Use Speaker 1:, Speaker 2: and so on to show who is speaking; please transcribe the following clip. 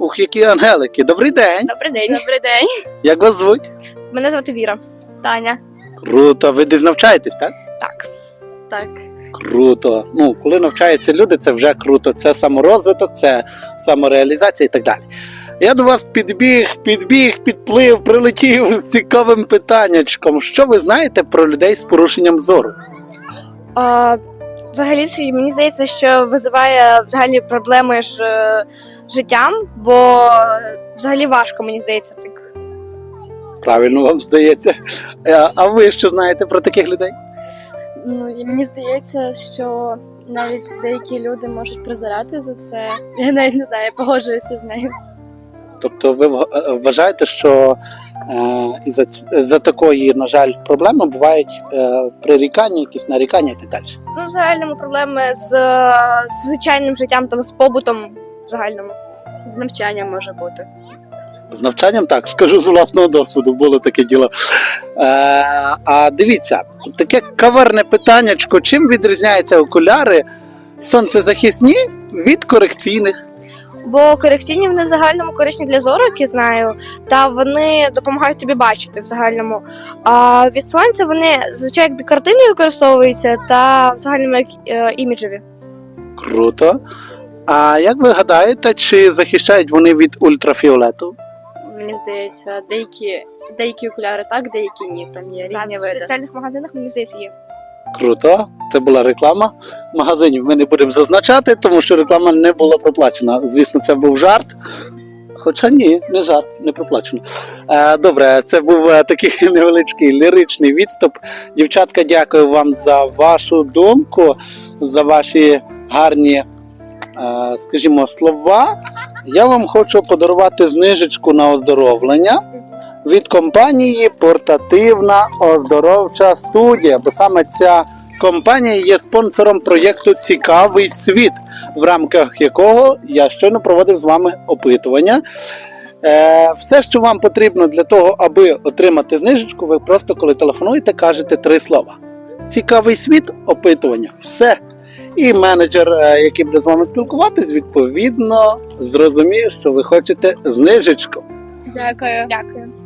Speaker 1: Ух, які ангелики. Добрий день.
Speaker 2: Добрий день. Добрий день.
Speaker 1: Як вас звуть?
Speaker 2: Мене звати Віра. Таня.
Speaker 1: Круто. Ви десь навчаєтесь, так?
Speaker 2: Так. Так.
Speaker 1: Круто. Ну, коли навчаються люди, це вже круто. Це саморозвиток, це самореалізація і так далі. Я до вас підплив, прилетів з цікавим питаннячком. Що ви знаєте про людей з порушенням зору?
Speaker 2: Взагалі, мені здається, що визиває взагалі проблеми з життям, бо взагалі важко, мені здається, так.
Speaker 1: Правильно вам здається. А ви що знаєте про таких людей?
Speaker 3: Ну, і мені здається, що навіть деякі люди можуть призирати за це. Я навіть не знаю, я погоджуюся з нею.
Speaker 1: Тобто ви вважаєте, що за такої, на жаль, проблеми бувають прирікання, якісь нарікання і так далі?
Speaker 2: Ну, в загальному проблеми з звичайним життям, там, з побутом в загальному. З навчанням може бути.
Speaker 1: З навчанням так, скажу з власного досвіду, було таке діло. А дивіться, таке каверне питаннячко, чим відрізняються окуляри сонцезахисні від корекційних?
Speaker 2: Бо корекційні вони в загальному корисні для зору, як я знаю, та вони допомагають тобі бачити в загальному. А від сонця вони, звичайно, як декоративні використовуються та в загальному як іміджеві.
Speaker 1: Круто. А як ви гадаєте, чи захищають вони від ультрафіолету?
Speaker 3: Мені здається, деякі окуляри так, деякі ні. Там є різні
Speaker 2: В
Speaker 3: види.
Speaker 2: спеціальних магазинах, мені здається, є.
Speaker 1: Круто. Це була реклама. Магазинів ми не будемо зазначати, тому що реклама не була проплачена. Звісно, це був жарт. Хоча ні, не жарт, не проплачено. Добре, це був такий невеличкий ліричний відступ. Дівчатка, дякую вам за вашу думку, за ваші гарні, скажімо, слова. Я вам хочу подарувати знижечку на оздоровлення від компанії «Портативна оздоровча студія», бо саме ця компанія є спонсором проєкту «Цікавий світ», в рамках якого я щойно проводив з вами опитування. Все, що вам потрібно для того, аби отримати знижечку, ви просто, коли телефонуєте, кажете 3 слова. «Цікавий світ», опитування. Все. І менеджер, який буде з вами спілкуватись, відповідно, зрозуміє, що ви хочете знижечку.
Speaker 3: Дякую.
Speaker 2: Дякую.